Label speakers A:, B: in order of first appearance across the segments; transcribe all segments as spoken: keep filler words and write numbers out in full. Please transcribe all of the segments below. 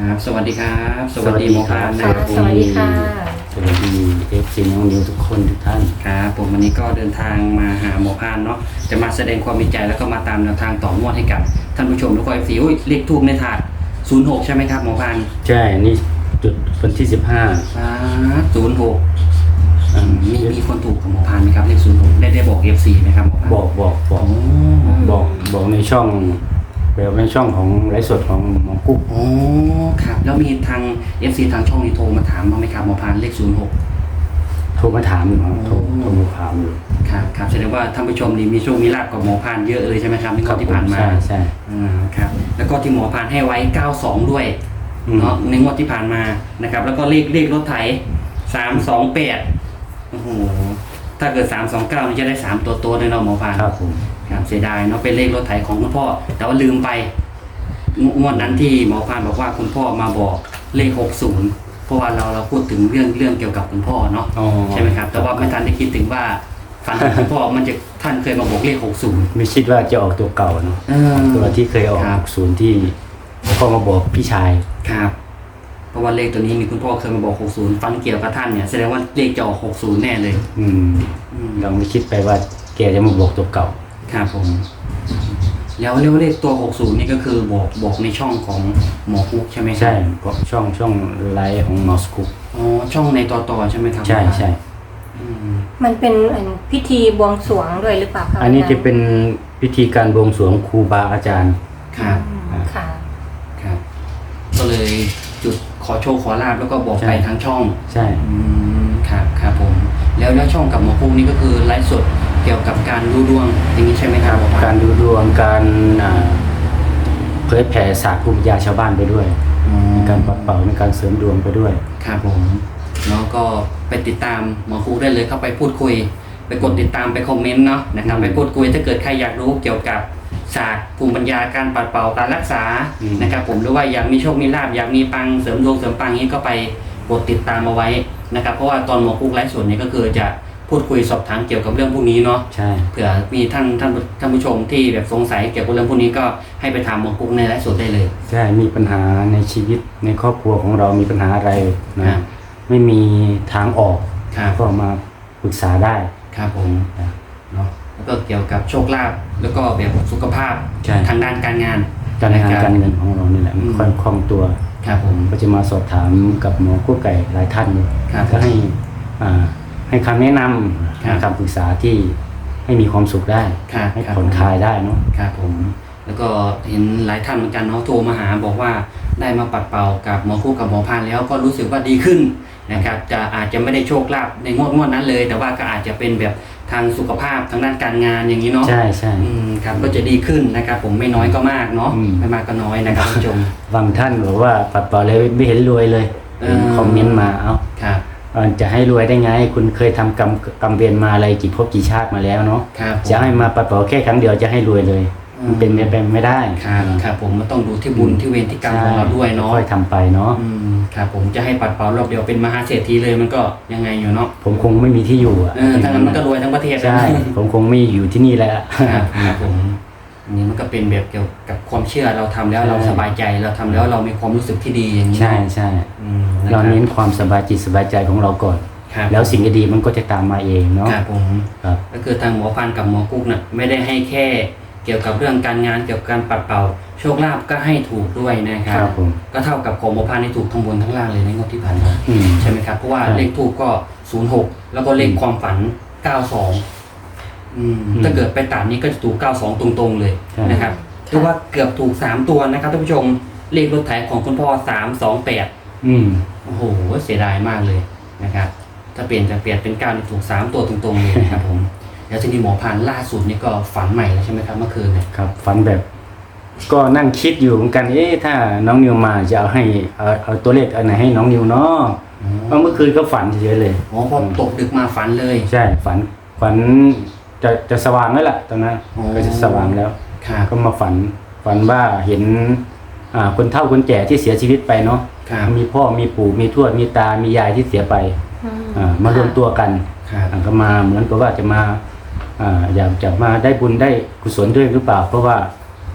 A: ครับสวัสดีครับสวัสดีหมอพานนะ
B: ค่ะ
A: ครับ
B: สวัสดีค่ะ
C: สวัสดีเอฟซีน้องนิวทุกคนทุกท่าน
A: ครับผมวันนี้ก็เดินทางมาหาหมอพานเนาะจะมาแสดงความมีใจแล้วก็มาตามแนวทางต่องวดให้กับท่านผู้ชมทุกคนสีอุ้ยเลขทูบในถาดศูนย์หกใช่ไหมครับหมอพาน
C: ใช่นี่จุดวันที่สิบห้า
A: ศูนย์หกมีมีคนถูกกับหมอพานไหมครับเลขศูนย์หกได้ได้บอกเอฟซีไหมครับหมอพาน
C: บอกบอกบ
A: โอ้
C: อกบอกบอกในช่องแบบในช่องของไลฟ์สดของหมอกุ๊ก
A: โอ้ครับแล้วมีทางเอฟซีทางช่องนี้โทรมาถามบ้างไหมครับหมอพานเลขศูนย์หก
C: โทรมาถามอยู่ครับโทร
A: อืม
C: โทรมาถามอยู่
A: ครับครับแสดงว่าท่านผู้ชมนี่มีโชคมีลาภกับหมอพานเยอะเลยใช่ไหมครับในงวดที่ผ่านมา
C: ใช่ใช่
A: อ่าครับแล้วก็ที่หมอพานให้ไว้เก้าสองด้วย
C: อืม
A: เนาะในงวดที่ผ่านมานะครับแล้วก็เลขเลขรถไถสามสองแปดโอ้โหถ้าเกิดสามสองเก้านี่จะได้สามตัวโตเลยเนาะหมอพาน
C: ครับผม
A: ครับเสียดายเนาะเป็นเลขรถไถของคุณพ่อ แต่ว่าลืมไปงงวดนั้นที่หมอพานบอกว่าคุณพ่อมาบอกเลขหกศูนย์เพราะว่าเราเราพูดถึงเรื่องเรื่องเกี่ยวกับคุณพ่อเนาะ
C: อ๋อ
A: ใช่ไหมครับแต่ว่าไม่ทันได้คิดถึงว่าฝันของคุณพ่อมันจะท่านเคยมาบอกเลขหกศูนย์
C: ไม่คิดว่าจะออกตัวเก่าเนาะ
A: เออ
C: ตัวที่เคยออก
A: ครับ
C: ศูนย์ที่พ่อมาบอกพี่ชาย
A: ครับเพราะว่าเลขตัวนี้มีคุณพ่อเคยมาบอกหกศูนย์ฟันเกี่ยวกับท่านเนี่ยแสดงว่าเลขจะออกหกศูนย์แน่เลย
C: อืม
A: อืม
C: เราไม่คิดไปว่าแกจะมาบอกตัวเก่า
A: ครับผมแล้วเรียกว่าเลขตัวหกศูนย์นี่ก็คือบอกบอกในช่องของหมอคุกใช่ไหมครับ
C: ใช่เพราะช่องช่องไลฟ์ของมอสกุ๊ก
A: อ๋อช่องในต่อต่อใช่ไหมครับ
C: ใช่ใช่
A: อืม
B: มันเป็นอันพิธีบวงสรวงด้วยหรือเปล่าคะ
C: อันนี้จะเป็นพิธีการบวงสรวงครูบาอาจารย์
A: ครับ
B: อืมค่ะ
A: ครับ ก็เลยจุดขอโชคขอลาบแล้วก็บอก
C: ใช่
A: ไปทางช่อง
C: ใช่
A: อืมครับครับผม แล้วแล้วช่องกับหมอคุกนี่ก็คือไลฟ์สดเกี่ยวกับการดูดวงอย่างนี้ใช่ไหมครับหมอปล
C: การดูดวงการอ่าเผยแผ่ศาสตร์ภูมิปัญญาชาวบ้านไปด้วย
A: อ๋อ
C: ในการปัดเป่าในการเสริมดวงไปด้วย
A: ครับผมแล้วก็ไปติดตามหมอคุกได้เลยเข้าไปพูดคุย ไปกดติดตามไปคอมเมนต์เนาะนะครับ
C: อืม
A: ไปพูดคุยถ้าเกิดใครอยากรู้เกี่ยวกับศาสตร์ภูมิปัญญาการปัดเป่าการรักษา
C: อืม
A: นะครับผมหรือว่าอยากมีโชคมีลาภอยากมีปังเสริมดวงเสริมปังนี้ก็ไปกดติดตามเอาไว้นะครับเพราะว่าตอนหมอคุกไลฟ์สดเนี่ยก็คือจะพูดคุยสอบถามเกี่ยวกับเรื่องพวกนี้เนาะ
C: ใช่
A: เผื่อมีท่านท่านท่านผู้ชมที่แบบสงสัยเกี่ยวกับเรื่องพวกนี้ก็ให้ไปถามหมอคุกในไลฟ์สดได้เลย
C: ใช่มีปัญหาในชีวิตในครอบครัวของเรามีปัญหาอะไร
A: ครั
C: นะ
A: บ
C: ไม่มีทางออก
A: ครับ
C: ก็มาปรึกษาได้
A: ครับผม
C: นะ
A: เนาะแล้วก็เกี่ยวกับโชคลาภแล้วก็แบบสุขภาพ
C: ใช่
A: ทางด้านการงาน
C: การงาน
A: นะคบ
C: การเงินของเรานี่แหละมัน
A: อืม
C: ค่อยคล่องตัว
A: ครับผม
C: ก็จะมาสอบถามกับหมอกู้ไก่หลายท่าน
A: ครับ
C: ก็ให้อ่าให้คำแนะนำ
A: ครับ
C: ให้คำปรึกษาที่ให้มีความสุขได้
A: ครับ
C: ให้
A: ครับ
C: ผ่อนคลายได้เนาะ
A: ครับผม แล้วก็เห็นหลายท่านเหมือนกันเนาะโทรมาหาบอกว่าได้มาปัดเป่ากับหมอคู่กับหมอพานแล้วก็รู้สึกว่าดีขึ้นนะครับจะอาจจะไม่ได้โชคลาภในงวดงวดนั้นเลย แต่ว่าก็อาจจะเป็นแบบทางสุขภาพทางด้านการงานอย่างนี้เนาะ
C: ใช่ใช่
A: อืมครับก็จะดีขึ้นนะครับผมไม่น้อยก็มากเนาะ
C: อืม
A: ไม่มากก็น้อยนะครับท่านผู้ชม
C: บางท่านบอกว่าปัดเป่าเลยไม่เห็นรวยเลย
A: เออ
C: คอมเมนต์มาเอ้า
A: ครับ
C: เอ่อจะให้รวยได้ไง คุณเคยทำกรรมกรรมเวรมาอะไรกี่ภพกี่ชาติมาแล้วเนาะ
A: ครับผม
C: จะให้มาปัดเป่าแค่ครั้งเดียวจะให้รวยเลย
A: อืม
C: มันเป็นไปไม่ได้
A: ครับครับผมมันต้องดูที่บุญที่เวรที่กรรมของเราด้วยเนาะ
C: ค่อยทำไปเนาะ
A: อืมครับผมจะให้ปัดเป่ารอบเดียวเป็นมหาเศรษฐีเลยมันก็ยังไงอยู่เนาะ
C: ผมคงไม่มีที่อยู่อ่ะ
A: เออถ้างั้นมันก็รวยทั้งประเทศ
C: ใช่ ผมคงไม่อยู่ที่นี่แล้ว
A: ครับครับผมอันนี้มันก็เป็นแบบเกี่ยวกับความเชื่อเราทำแล้ว
C: ใช่
A: เราสบายใจเราทำแล้วเรามีความรู้สึกที่ดีอย่างนี้
C: ใช่ใช่
A: อืมะค
C: เรา
A: บ
C: เน้นความสบายจิตสบายใจของเราก่อน
A: ครับ
C: แล้วสิ่งดีๆมันก็จะตามมาเองเนาะ
A: ครับผม
C: ครับ
A: ก็คือทางหมอพันกับหมอกุ๊กน่ะไม่ได้ให้แค่เกี่ยวกับเรื่องการงานเกี่ยวกับการปัดเป่าโชคลาภก็ให้ถูกด้วยนะค
C: ค
A: รั
C: รั
A: บบ
C: ผม
A: ก็เท่ากับของหมอพันที่ถูกทั้งบนทั้งล่างเลยในงวดที่ผ่านมา
C: อืม
A: ใช่ไหมครับเพราะว่า
C: ใช่
A: เลขทูกก็ศูนย์หกแล้วก็เลขความฝันเก้าสองอืม
C: อืม
A: ถ้าเกิดไปตัดนี้ก็จะถูกเก้าสองตรงๆเลย
C: ใช่
A: นะครับเรียกว่าเกือบถูกสามตัวนะครับท่านผู้ชมเลขรถไถของคุณพ่อสามสองแปด
C: อืม
A: โอ้โหเสียดายมากเลยนะครับถ้าเปลี่ยนจะเปลี่ยนเป็นเก้านี่ถูกสามตัวตรงๆเลยนะครับผม แล้วทีนี้หมอพานล่าสุดนี่ก็ฝันใหม่แล้วใช่ไหมครับเมื่อคืนเนี่ย
C: ครับฝันแบบ ก็นั่งคิดอยู่เหมือนกันเอ๊ะถ้าน้องนิวมาจะเอาให้เอาเอาตัวเลขอันไหนให้น้องนิวเนาะเพราะเมื่อคืนก็ฝันเฉยๆเลย
A: อ๋อพอตกดึกมาฝันเลย
C: ใช่ฝันฝันจะจะสว่างแล้วล่ะตอนนั้น
A: อ๋อ
C: ก็จะสว่างแล้ว
A: ครับ
C: ก็มาฝันฝันว่าเห็นอ่าคนเฒ่าคนแก่ที่เสียชีวิตไปเนาะ
A: ครับ
C: มีพ่อมีปู่มีทวดมีตามียายที่เสียไป
B: อืม
C: อ่ามารวมตัวกัน
A: ครับ
C: อ่าก็มาเหมือนกับว่าจะมาอ่าอยากจะมาได้บุญได้กุศลด้วยหรือเปล่า เพราะว่าท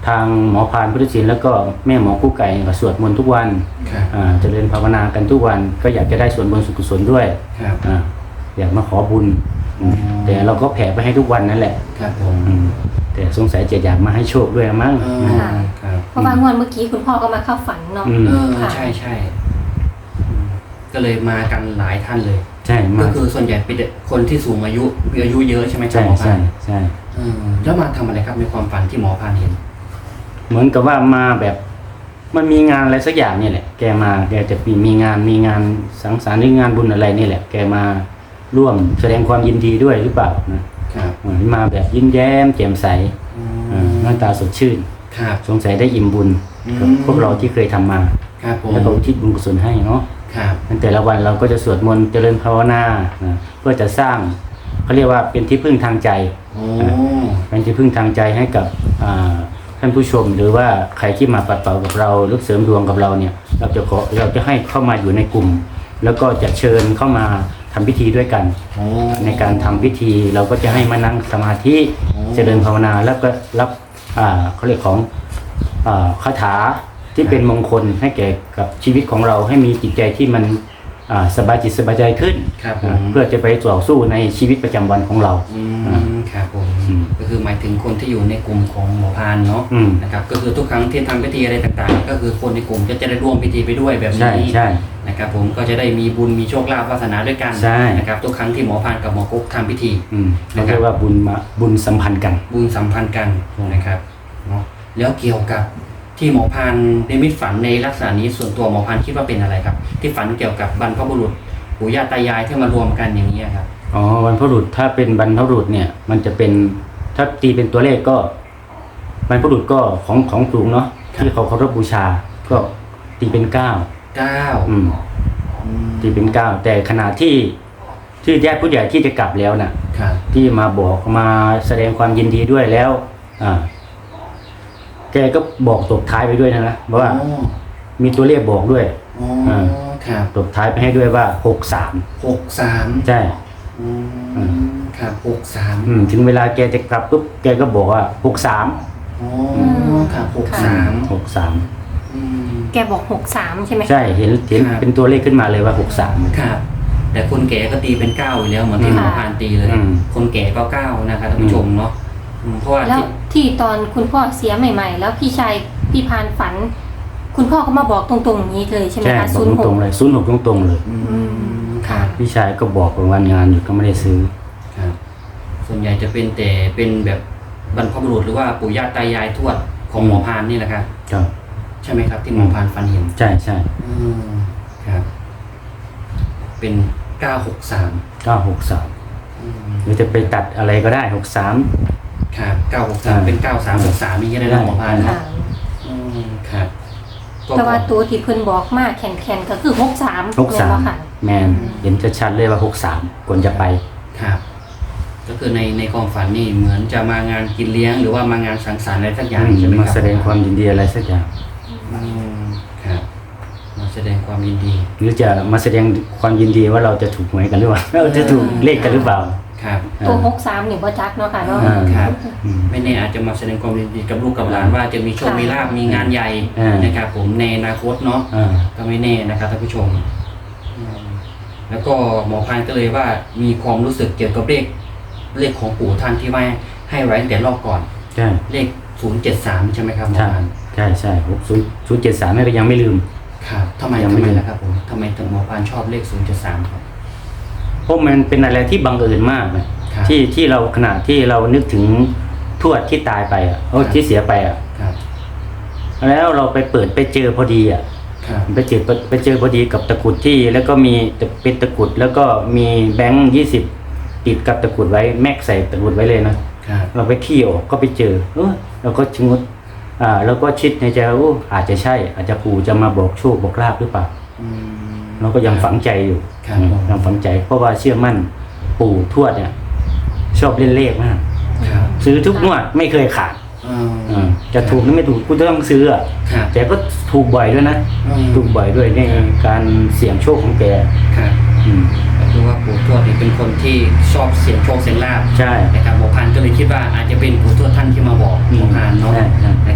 C: ทางหมอพานพุทธศิลป์แล้วก็แม่หมอกู้ไก่ก็สวดมนต์ทุกวัน
A: ครับ
C: อ่าเจริญภาวนากันทุกวันก็อยากจะได้ส่วนบุญส่วนกุศลด้วย
A: ครับ
C: อ่าอยากมาขอบุญอืม
A: อ๋อ
C: แต่เราก็แผ่ไปให้ทุกวันนั่นแหละ
A: ครับผม
C: อืมแต่สงสัยจะอยากมาให้โชคด้วยมั้ง
A: เออ
B: ค่ะ
A: ครับ
B: เพราะว่างวดเมื่อกี้คุณพ่อก็มาเข้าฝันเนาะ
C: อืม
A: เออ
B: ค่ะ
A: ใช่ใช่อืมก็เลยมากันหลายท่านเลย
C: ใช่
A: ก็
C: มา
A: คือส่วนใหญ่เป็นเด็กคนที่สูงอายุมีอายุเยอะใช่ไหมครับ
C: ใช่
A: หมอพั
C: ใช่
A: นธุ์
C: ใช่
A: เออแล้วมาทำอะไรครับในความฝันที่หมอพันธุ์เห็น
C: เหมือนกับว่ามาแบบมันมีงานอะไรสักอย่างนี่แหละ แกมาแกจะมีมีงานมีงานสังสรรค์หรืองานบุญอะไรนี่แหละ แกมาร่วมแสดงความยินดีด้วยหรือเปล่านะครับ เหมือนมาแบบยิ้มแย้มแจ่มใส
A: อื
C: อ่าม หน้าตาสดชื่น
A: ครับ
C: สงสัยได้อิ่มบุญ
A: อืม
C: กับพวกเราที่เคยทำมา
A: ครับผม
C: แล้วก็อุทิศบุญกุศลให้เนาะ
A: ครับ
C: ในแต่ละวันเราก็จะสวดมนต์เจริญภาวนานะเพื่อจะสร้างเขาเรียกว่าเป็นที่พึ่งทางใจ
A: โอ้
C: เป็นที่พึ่งทางใจให้กับอ่าท่านผู้ชม หรือว่าใครที่มาปัดเป่ากับเราหรือเสริมดวงกับเราเนี่ย เราจะขอเราจะให้เข้ามาอยู่ในกลุ่ม แล้วก็จะเชิญเข้ามาทำพิธีด้วยกัน
A: โอ้
C: ในการทำพิธีเราก็จะให้มานั่งสมาธิ
A: โอ้
C: เจริญภาวนาแล้วก็รับอ่าเขาเรียกของอ่าคาถาที่เป็นมงคลให้แก่กับชีวิตของเราให้มีจิตใจที่มันอ่าสบายจิตสบายใจขึ้น
A: ครับผ
C: อ่าม เพื่อจะไปต่อสู้ในชีวิตประจำวันของเรา
A: อืมครับผม
C: อืม
A: ก็คือหมายถึงคนที่อยู่ในกลุ่มของหมอพานเนาะ
C: อืม
A: นะครับก็คือทุกครั้งที่ทำพิธีอะไรต่างๆ ก็คือคนในกลุ่มก็จะได้ร่วมพิธีไปด้วยแบบ
C: ใช่
A: นี้
C: ใช่
A: นะครับผมก็จะได้มีบุญมีโชคลาภวาสนาด้วยกัน
C: ใช่
A: นะครับทุกครั้งที่หมอพานกับหมอกุ๊กทำพิธี
C: อืมเราเรียกว่าบุญมาบุญสัมพันธ์กัน
A: บุญสัมพันธ์กัน
C: ใช่
A: นะครับเนาะแล้วเกี่ยวกับที่หมอพานในมิตฝันในลักษณะนี้ส่วนตัวหมอพานคิดว่าเป็นอะไรครับ ที่ฝันเกี่ยวกับบรรพบุรุษปู่ย่าตายายที่มารวมกันอย่างนี้ยครับ
C: อ๋อวันพบุรุษถ้าเป็นบรรพบุรุษเนี่ย มันจะเป็นถ้าตีเป็นตัวเลขก็บรรพบุรุษก็ของของสูงเนาะ
A: ครับ
C: ที่เขาเคารพบูชา ก็ตีเป็นเก้า
A: เก้า
C: อืม
A: อืม
C: ตีเป็นเก้าแต่ขณะที่ที่ญาติผู้ใหญ่ที่จะกลับแล้วน่ะ
A: ครับ
C: ที่มาบอกมาแสดงความยินดีด้วยแล้ว อ่า แกก็บอกตบท้ายไปด้วยนะนะว่า
A: โอ้
C: มีตัวเลขบอกด้วย
A: โอ้
C: อ่า
A: ครับ
C: ตบท้ายไปให้ด้วยว่าหกสาม
A: หกสาม
C: ใช่
A: อื
C: อื
A: มครับหกสาม
C: อืมถึงเวลาแกจะกลับปุ๊บแกก็บอกว่าหกสาม
A: โอ้ครับหกสาม
C: หกสาม
A: อืม
B: แกบอกหกสามใช่ไหม
C: ใช่เห็นเห็น
A: ครับ
C: เป็นตัวเลขขึ้นมาเลยว่าหกสาม
A: ครับ แต่คนแก่ก็ตีเป็นเก้าอยู่แล้วเหมือนที่
C: อืม
A: หมอพานตีเลย
C: อืม
A: คนแก่ก็เก้านะครับท่านผู้ชมเนาะอืมเพราะว่า
B: แล้ว
A: ที่
B: ที่ตอนคุณพ่อเสียใหม่ๆ แล้วพี่ชายพี่พานฝัน คุณพ่อก็มาบอกตรงๆอย่างนี้เลยใช่ไหม
C: ใช่
B: คะ
C: บอ
B: ศู
C: ก
B: นย์ห
C: ตร
B: ก
C: งๆเลยศูนย์หกตรงๆเลย
A: อืมครับ
C: พี่ชายก็บอกว่าวันงานอยู่ก็ไม่ได้ซื้อ
A: ครับ ส่วนใหญ่จะเป็นแต่เป็นแบบบรรพบุรุษหรือว่าปู่ย่าตายายทวดของหมอพานนี่แหละครับ
C: ครับ
A: ใช่ไหมครับ ที่หมอพานฝันเห็น
C: ใช่ใช่
A: อืมครับ เป็นเก้าหกสาม
C: เก้าหกสามหรือจะไปตัดอะไรก็ได้หกสาม
A: ครับเก้าหกสาม
C: อ่า
A: เป็นเก้าสามหกสามนี่ก็ได้นะหมอพาน
B: ค่ะ
A: เนาะอืมครับก็
B: แต่ว่าตัวที่เพิ่นบอกมากแข็งๆก็คือหกสาม
C: หกสาม
B: ค่ะ
C: แมนเห็นชัดๆเลยว่าหกสามควรจะไป
A: ครับ ก็คือในในความฝันนี่เหมือนจะมางานกินเลี้ยง หรือว่ามางานสังสรรค์อะไรสักอย่างใช่ไหมครับ
C: มาแสดงความยินดีอะไรสักอย่าง
A: อืมครับ มาแสดงความยินดี
C: หรือจะมาแสดงความยินดีว่าเราจะถูกหวยกันหรือเปล่าเราจะถูกเลขกันหรือเปล่า
A: ครับ
B: ตัว
C: อ่า
B: หกสามนี่บ่จักเนาะค่ะเนาะ
C: อ่า
A: ครับ
C: อืม
A: ไม่แน่อาจจะมาแสดงความยินดีกับลูกกับหลานว่าจะมีโชค
B: ค่ะ
A: มีลาบมีงานใหญ่
C: อ่าน
A: นะครับผมในอนาคตเนาะ
C: อ่า
A: ก็ไม่แน่นะครับท่านผู้ชมอืมแล้วก็หมอพานก็เลยว่ามีความรู้สึกเกี่ยวกับเลขเลขของปู่ท่านที่ว่าให้ไว้ตั้งแต่รอบก่อน
C: ใช่
A: เลขศูนย์เจ็ดสามใช่ไหมครับหมอ
C: ใช่
A: พาน
C: ใช่ใช่หกศูนย์ศูนย์เจ็ดสามนี่ก็ยังไม่ลืม
A: ครับทำไม
C: ยัง
A: ทำ
C: ไม่
A: ไม
C: ลืม
A: ล่ะครับผมทำไมถึงหมอพานชอบเลขศูนย์เจ็ดสามครับ
C: เพราะมันเป็นอะไรที่บังเอิญมากเลย
A: ครับ
C: ที่ที่เราขณะที่เรานึกถึงทวดที่ตายไปอ่ะโอ้
A: ครับ
C: ที่เสียไปอ่ะ
A: ครับ
C: แล้วเราไปเปิดไปเจอพอดีอ่ะ
A: ครับ
C: ไปเจอไปเจอพอดีกับตะกรุดที่แล้วก็มีเป็นตะกรุดแล้วก็มีแบงค์ยี่สิบติดกับตะกรุดไว้แม็กใส่ตะกรุดไว้เลยนะครับ เราไปขี้ออกก็ไปเจอเออเราก็ชะงดอ่าเราก็คิดในใจว่าโอ้อาจจะใช่ อาจจะปู่จะมาบอกโชคบอกลาภหรือเปล่า
A: อืม
C: เราก็ยังฝังใจอยู่
A: ครับ
C: ยังฝังใจ เพราะว่าเชื่อมั่นปู่ทวดเนี่ย ชอบเล่นเลขมาก
A: ครับ
C: ซื้อทุกงวดไม่เคยขาด
A: อืม
C: อ่าจะถูกหรือไม่ถูกกูต้องซื้ออ่ะ
A: ครับ
C: แต่ก็ถูกบ่อยด้วยนะ
A: อืม
C: ถูกบ่อยด้วยในการเสี่ยงโชคของแก
A: ครับ
C: อืม
A: ก็คือว่าปู่ทวดนี่เป็นคนที่ชอบเสียงโชคเสียงลาบ
C: ใช่
A: นะครับหมอพานก็เลยคิดว่าอาจจะเป็นปู่ทวดท่านที่มาบอกหมอพานเนาะ
C: ใช่ใช่
A: นะครับ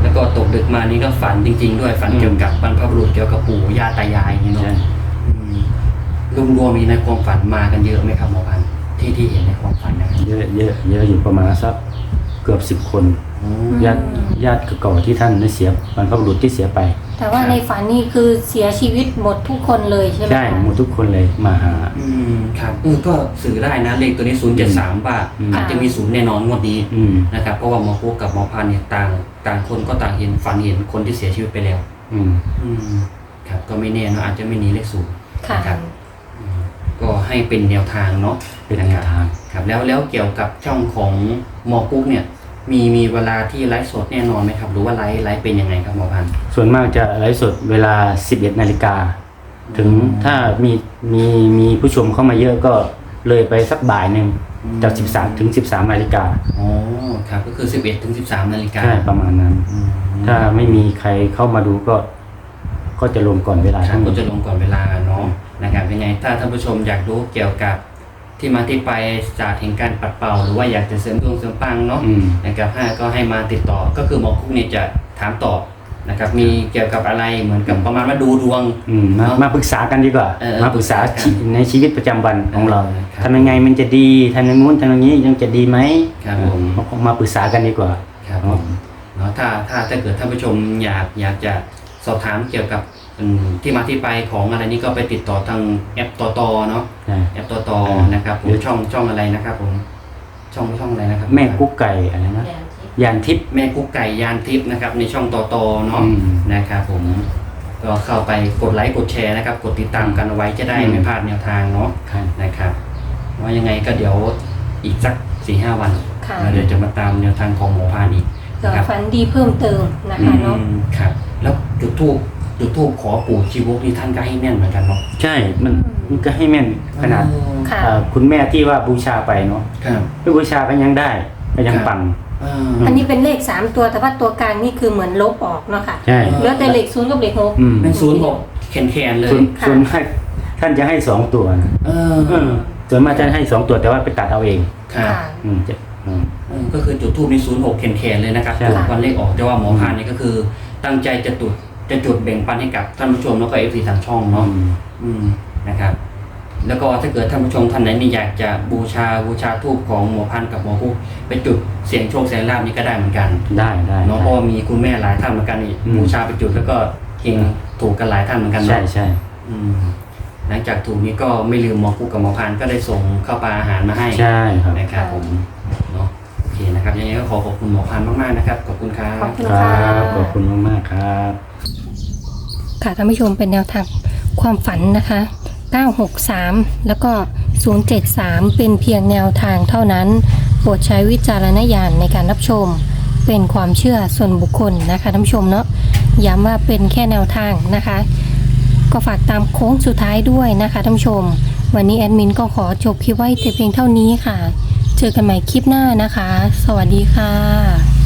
A: แล้วก็ตกดึกมานี่ก็ฝันจริง ๆ ด้วยฝัน
C: อืม
A: เกี่ยวกับบรรพบุรุษเกี่ยวกับปู่ย่าตายายอย่างนี้เนาะ
C: ใช่
A: รวมรวมๆมีในความฝันมากันเยอะไหมครับหมอพันธุ์ที่ที่เห็นในความฝันนะครับ
C: เยอะเยอะเยอะอยู่ประมาณสักเกือบสิบคน
A: อืม
C: ญาติญาติเก่าๆที่ท่านได้เสียบรรพบุรุษที่เสียไป
B: แต่ว่าในฝันนี่คือเสียชีวิตหมดทุกคนเลยใช่ไหม
C: ใช่
B: คะ
C: หมดทุกคนเลยมาหา
A: อืมครับเออก็สื่อได้นะเลขตัวนี้ศูนย์เจ็ดสามว่า
C: อืม
A: อาจจะมีศูนย์แน่นอนงวดนี้
C: อืม
A: นะครับเพราะว่าหมอคุกกับหมอพันธุ์เนี่ยต่างต่างคนก็ต่างเห็นฝันเห็นคนที่เสียชีวิตไปแล้ว
C: อืม
A: อืมครับก็ไม่แน่เนอะอาจจะไม่หนีเลขศูนย์
B: ค่ะ
A: นะครับอืมก็ให้เป็นแนวทางเนาะ
C: เป็นแนวทาง
A: ครับแล้วแล้วเกี่ยวกับช่องของหมอกุ๊กเนี่ย มีมีเวลาที่ไลฟ์สดแน่นอนไหมครับ หรือว่าไลฟ์ไลฟ์เป็นยังไงครับหมอพันธุ์
C: ส่วนมากจะไลฟ์สดเวลา สิบเอ็ดนาฬิกา ถึงถ้ามีมีมีผู้ชมเข้ามาเยอะก็เลยไปสักบ่ายหนึ่งจากสิบสามถึงสิบสามนาฬิกา
A: อ๋อครับก็คือสิบเอ็ดถึงสิบสามนาฬิกา
C: ใช่ประมาณนั้น
A: อืม
C: ถ้าไม่มีใครเข้ามาดูก็ ก็จะลงก่อนเวลา
A: ครับ
C: ทั้งหม
A: ก็
C: ด
A: จะลงก่อนเวลาเนาะนะครับยังไงถ้าท่านผู้ชมอยากรู้เกี่ยวกับที่มาที่ไปจากแห่งการปัดเป่า หรือว่าอยากจะเสริมดวงเสริมปังเนาะ
C: อืม
A: นะครับห้าก็ให้มาติดต่อก็คือหมอกุ๊กเนี่ยจะถามตอบนะครับมีเกี่ยวกับอะไรเหมือนกับประมาณว่าดูดวง
C: อืมมามาปรึกษากันดีกว่า
A: เออ
C: มาปรึกษา
A: ปรึกษากัน
C: ชีในชีวิตประจำวันของเรา
A: เออครับ
C: ทำยังไงมันจะดีทำอย่างงู้นทำอย่างนี้ยังจะดีไหม
A: ครับผม
C: เออมาปรึกษากันดีกว่า
A: ครับผมเนาะถ้าถ้าถ้าเกิดท่านผู้ชมอยากอยากจะสอบถามเกี่ยวกับอืมที่มาที่ไปของอะไรนี้ก็ไปติดต่อทางแอปตอตอเนาะ
C: ใช่
A: แอปตอตอ
C: เออ
A: นะครับผมช่องช่องอะไรนะครับผมช่องช่องอะไรนะครับ
C: แม่กุ๊กไก่อะไรนะยานทิพย์
A: แม่กุ๊กไก่ยานทิพย์นะครับในช่องตอตอเนาะ
C: อืม
A: นะครับผมก็เข้าไปกดไลค์กดแชร์นะครับกดติดตามกันเอาไว้จะได้
C: อืม
A: ไม่พลาดแนวทางเนาะ
C: ครับ
A: นะครับว่ายังไงก็เดี๋ยวอีกสักสี่ห้าวัน
B: ค่ะ
A: เราเดี๋ยวจะมาตามแนวทางของหมอพานอีก
B: เผื่อ
A: นะครับ
B: ฝันดีเพิ่มเติมนะคะเนาะ
A: อืมครับ แล้วจุดทูบจุดทูบขอปู่ชีวกนี่ท่านก็ให้แม่นเหมือนกันเนาะ
C: ใช่มันมันก็ให้แม่นขนาด
B: ค่ะ
C: เอ่อคุณแม่ที่ว่าบูชาไปเนาะ
A: ครับ
C: ไม่บูชาก็ยังได้ก็ยังปัง
A: อ่า
B: อันนี้เป็นเลขสามตัวแต่ว่าตัวกลางนี่คือเหมือนลบออกเนาะค่ะ
C: ใช่
B: เหลือแต่เลขศูนย์กับเลขหก
C: อืม
A: เป็นศูนย์หกแขนแขนๆเลย
C: ส่วน
B: ค่ะ
C: ส่วนมากท่านจะให้สองตัวนะ
A: เออ
C: เออส่วนมากจะให้สองตัวแต่ว่าไปตัดเอาเอง
A: ครับ
B: ค่ะ
C: อืมจะอืม
A: เออก็คือจุดทูบในศูนย์หกแขนแขนๆเลยนะครับ
C: ใช่
A: จุดวันเลขออกแต่ว่าหมอพานนี่ก็คือ ตั้งใจจะจุดจะจุดแบ่งปันให้กับท่านผู้ชมแล้วก็เอฟซีทางช่องเนาะ
C: อืม
A: อืมนะครับ แล้วก็ถ้าเกิดท่านผู้ชมท่านไหนนี่อยากจะบูชาบูชาทูบของหมอพันธุ์กับหมอคุกไปจุดเสียงโชคเสียงลาบนี่ก็ได้เหมือนกัน
C: ได้ได้
A: เนาะเพราะว่ามีคุณแม่หลายท่านเหมือนกันนี่
C: อืม
A: บูชาไปจุดแล้วก็เฮงถูกกันหลายท่านเหมือนกัน
C: ใช่
A: เนาะ
C: ใช่
A: อืมหลังจากถูกนี้ก็ไม่ลืมหมอคุกกับหมอพันธุ์ก็ได้ส่งข้าวปลาอาหารมาให้
C: ใช่ครับ
A: นะครับผมเนาะโอเคนะครับยังไงก็ขอขอบคุณหมอพันธุ์มากๆนะครับขอบคุณครับ
B: ขอบคุณ
C: ค
B: ค่ะ
C: รับขอบคุณมากๆครับ
B: ค่ะท่านผู้ชมเป็นแนวทางความฝันนะคะเก้าหกสามแล้วก็ศูนย์เจ็ดสามเป็นเพียงแนวทางเท่านั้นโปรดใช้วิจารณญาณในการรับชมเป็นความเชื่อส่วนบุคคลนะคะท่านผู้ชมเนาะย้ำว่าเป็นแค่แนวทางนะคะ ก็ฝากตามโค้งสุดท้ายด้วยนะคะท่านผู้ชม วันนี้แอดมินก็ขอจบคลิปไว้แต่เพียงเท่านี้ค่ะ เจอกันใหม่คลิปหน้านะคะ สวัสดีค่ะ